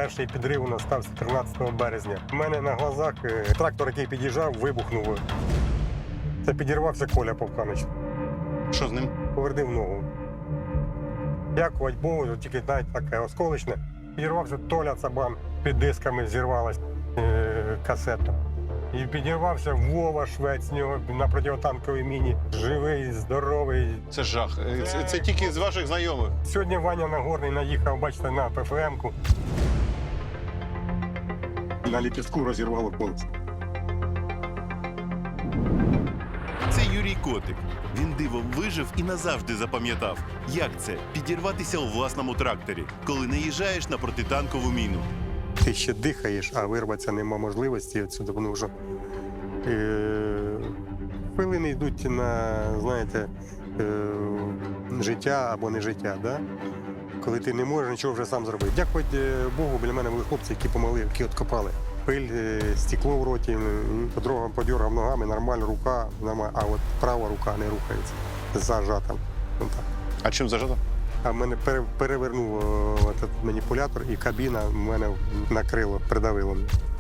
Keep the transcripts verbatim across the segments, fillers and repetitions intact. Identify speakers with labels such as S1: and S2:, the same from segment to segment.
S1: Перший підрив у нас стався тринадцятого березня. У мене на глазах е, трактор, який під'їжджав, вибухнув. Це підірвався Коля Повканич.
S2: Що з ним?
S1: Повернув ногу. Дякувати Богу, тільки навіть таке осколочне. Підірвався Толя Цабан, під дисками зірвалась е, касета. І підірвався Вова Швець, з нього на протитанковій міні. Живий, здоровий.
S2: Це жах. Це, це тільки з ваших знайомих.
S1: Сьогодні Ваня Нагорний наїхав, бачите, на ПФМ-ку. На ліпістку розірвало колесо.
S3: Це Юрій Котик. Він дивом вижив і назавжди запам'ятав, як це підірватися у власному тракторі, коли наїжджаєш на протитанкову міну.
S1: Ти ще дихаєш, а вирватися нема можливості відсюди, тому що е, хвилини йдуть на, знаєте, е, життя або не життя, да? Коли ти не можеш нічого вже сам зробити. Дякувати Богу, біля мене були хлопці, які помогли, які откопали. Пиль, е, стекло в роті, подорогам подергав ногами, нормально, рука, нормально, а от права рука не рухається, зажата. Ну, так.
S2: А чим зажато?
S1: А в мене пере- перевернув о, этот маніпулятор, і кабіна в мене накрило, придавило.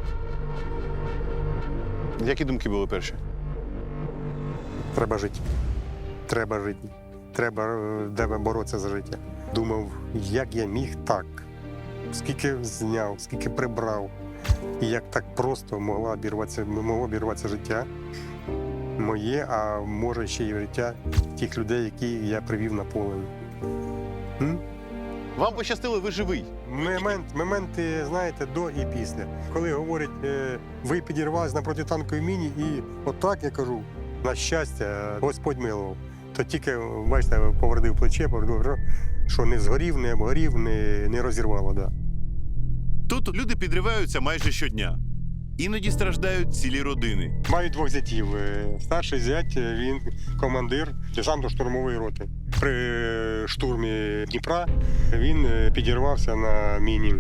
S2: Які думки були перші?
S1: Треба жити. Треба жити. Треба е, треба боротися за життя. Думав, як я міг так. Скільки зняв, скільки прибрав. І як так просто могло обірватися, могло обірватися життя моє, а може ще й життя тих людей, які я привів на поле. М?
S2: Вам пощастило, ви живий.
S1: Момент, моменти, знаєте, до і після. Коли говорять, е, ви підірвались на протитанковій міні, і отак я кажу, на щастя, Господь милував. То тільки, бачите, повернув плече, повернув, що не згорів, не обгорів, не, не розірвало. Да.
S3: Тут люди підриваються майже щодня. Іноді страждають цілі родини.
S1: Маю двох зятів. Е, Старший зять, е, він командир десантно-штурмової роти. При штурмі Дніпра він е, підірвався на міні.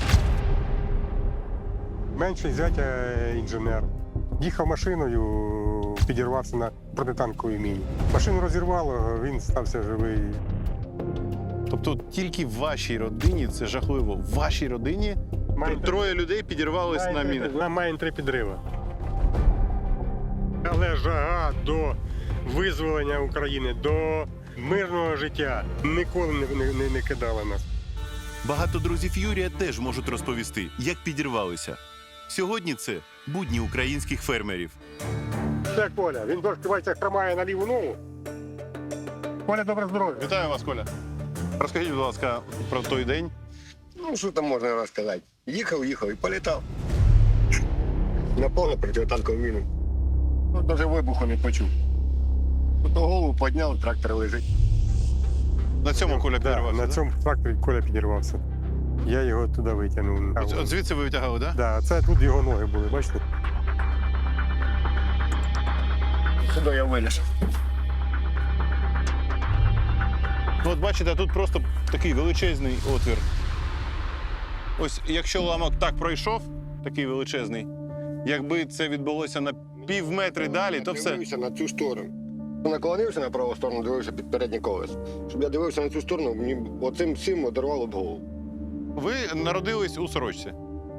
S1: Менший зять е, інженер. Їхав машиною, підірвався на протитанковій міні. Машину розірвало, він стався живий.
S2: Тобто тільки в вашій родині, це жахливо, в вашій родині
S1: Має
S2: троє людей підірвались на
S1: Маємо
S2: мінах.
S1: три- Маємо три підриви. Але жага до визволення України, до мирного життя ніколи не, не, не, не кидала нас.
S3: Багато друзів Юрія теж можуть розповісти, як підірвалися. Сьогодні це будні українських фермерів.
S1: Це Коля, він трошки бачите, хромає на ліву ногу. Коля, добре здоров'я.
S2: Вітаю вас, Коля. Розкажіть, будь ласка, про той день.
S4: Ну, що там можна розказати? Їхав, їхав і політав. На повну протитанкову міну. Ну, навіть вибуху не почув. Тут голову підняв, трактор лежить.
S2: На цьому Коля
S1: Да,
S2: підірвався,
S1: на
S2: да?
S1: цьому тракторі Коля підірвався. Я його туди витягнув.
S2: От, от звідси ви витягали, так? Да?
S1: Да, це тут його ноги були, бачите?
S4: Сюди я виліз.
S2: Ну, от бачите, тут просто такий величезний отвір. Ось якщо уламок так пройшов, такий величезний, якби це відбулося на пів метри далі, то все.
S4: Дивився на цю сторону. Наклонився на праву сторону, дивився під переднє колесо. Щоб я дивився на цю сторону, мені оцим всім одорвало б голову.
S2: Ви народились у Сорочці.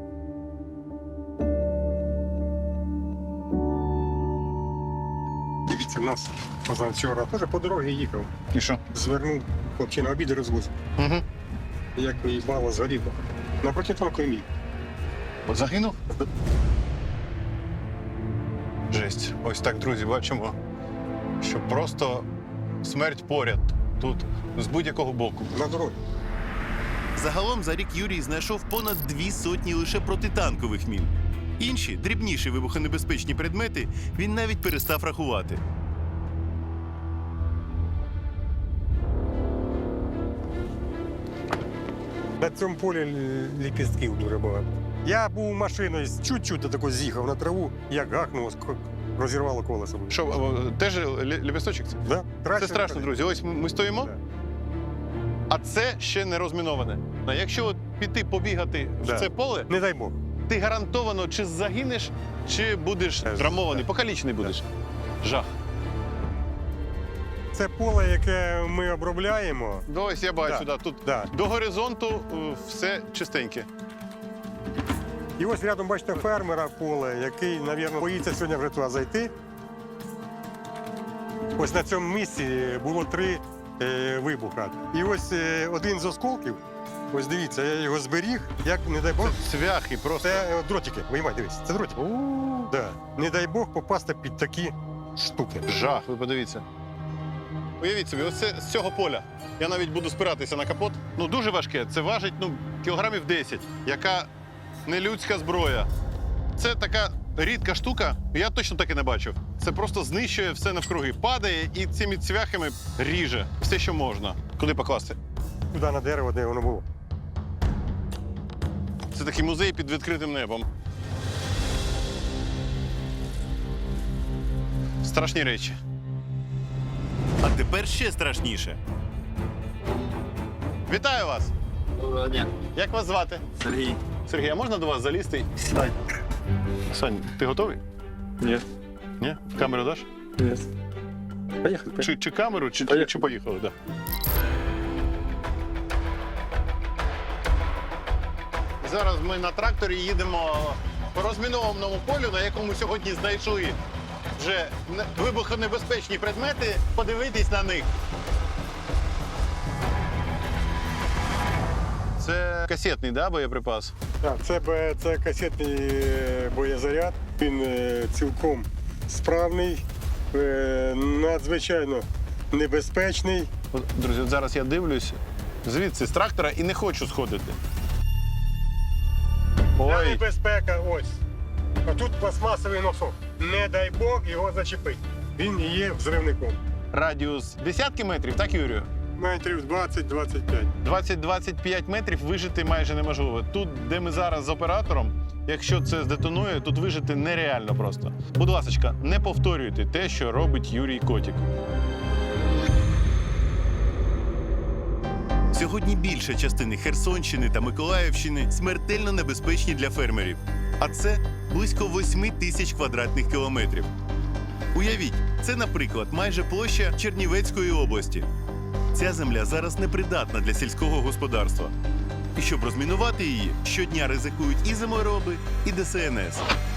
S1: Дивіться, в нас позавчора теж по дорозі їхав.
S2: І що?
S1: Звернув хлопчина обід розвоз.
S2: Угу.
S1: Як мій мало згорів. На протитанковій міні.
S2: От загинув? Жесть. Ось так, друзі, бачимо, що просто смерть поряд тут, з будь-якого боку.
S1: На дорозі.
S3: Загалом за рік Юрій знайшов понад дві сотні лише протитанкових мін. Інші, дрібніші вибухонебезпечні предмети, він навіть перестав рахувати.
S1: На цьому полі л- ліпістків дуже багато. Я був машиною, чуть-чуть тако з'їхав на траву, як гахнуло, ск- розірвало колесо.
S2: Що, о, теж лі- ліпісточок це?
S1: Да?
S2: Це страшно, друзі. Ось ми ми стоїмо,
S1: Да.
S2: а це ще не розміноване. А якщо от піти побігати
S1: Да.
S2: в це поле,
S1: Не дай Бог.
S2: ти гарантовано чи загинеш, чи будеш
S1: Е,
S2: травмований,
S1: да.
S2: покалічений будеш. Жах.
S1: Це поле, яке ми обробляємо.
S2: Ну, ось я бачу,
S1: Да.
S2: да. тут
S1: Да.
S2: до горизонту е, все чистеньке.
S1: І ось рядом, бачите, фермера поле, який, мабуть, боїться сьогодні вже туди зайти. Ось на цьому місці було три е, вибуха. І ось е, один з осколків, ось дивіться, я його зберіг, як, не дай Бог,
S2: Цвяхи просто.
S1: це е, дротики. Виймай, дивись, це дротики. Да. Не дай Бог попасти під такі штуки.
S2: Жах, ви подивіться. Уявіть собі, ось це з цього поля. Я навіть буду спиратися на капот. Ну, дуже важке. Це важить ну, кілограмів десять. Яка нелюдська зброя. Це така рідка штука, я точно таки не бачив. Це просто знищує все навкруги. Падає і цими цвяхами ріже все, що можна. Куди покласти?
S1: Туди на дерево, де воно було.
S2: Це такий музей під відкритим небом. Страшні речі.
S3: А тепер ще страшніше.
S2: Вітаю вас!
S5: Доброго дня.
S2: Як вас звати?
S5: Сергій.
S2: Сергій, а можна до вас залізти?
S5: Сідай.
S2: Сань, ти готовий?
S5: Ні.
S2: Ні? Камеру даш?
S5: Ні. Поїхали.
S2: Чи, чи камеру, чи,
S5: Поїхали.
S2: чи поїхали? Да. Зараз ми на тракторі їдемо по розмінованому полю, на якому сьогодні знайшли вже не- вибухонебезпечні предмети, подивитись на них. Це касетний, да, боєприпас?
S1: Так, це, бе- це касетний е, боєзаряд. Він е, цілком справний, е, надзвичайно небезпечний.
S2: От, друзі, от зараз я дивлюсь звідси з трактора і не хочу сходити.
S1: Ця
S2: Ой,
S1: небезпека ось. А тут пластмасовий носок. Не дай Бог його зачепить. Він і є взривником.
S2: радіус десятки метрів, так, Юрію?
S1: Метрів двадцять-двадцять п'ять.
S2: двадцять-двадцять п'ять метрів вижити майже неможливо. Тут, де ми зараз з оператором, якщо це здетонує, тут вижити нереально просто. Будь ласка, не повторюйте те, що робить Юрій Котік.
S3: Сьогодні більша частина Херсонщини та Миколаївщини смертельно небезпечні для фермерів. А це близько восьми тисяч квадратних кілометрів. Уявіть, це, наприклад, майже площа Чернівецької області. Ця земля зараз непридатна для сільського господарства. І щоб розмінувати її, щодня ризикують і землероби, і Де Се Ен Ес.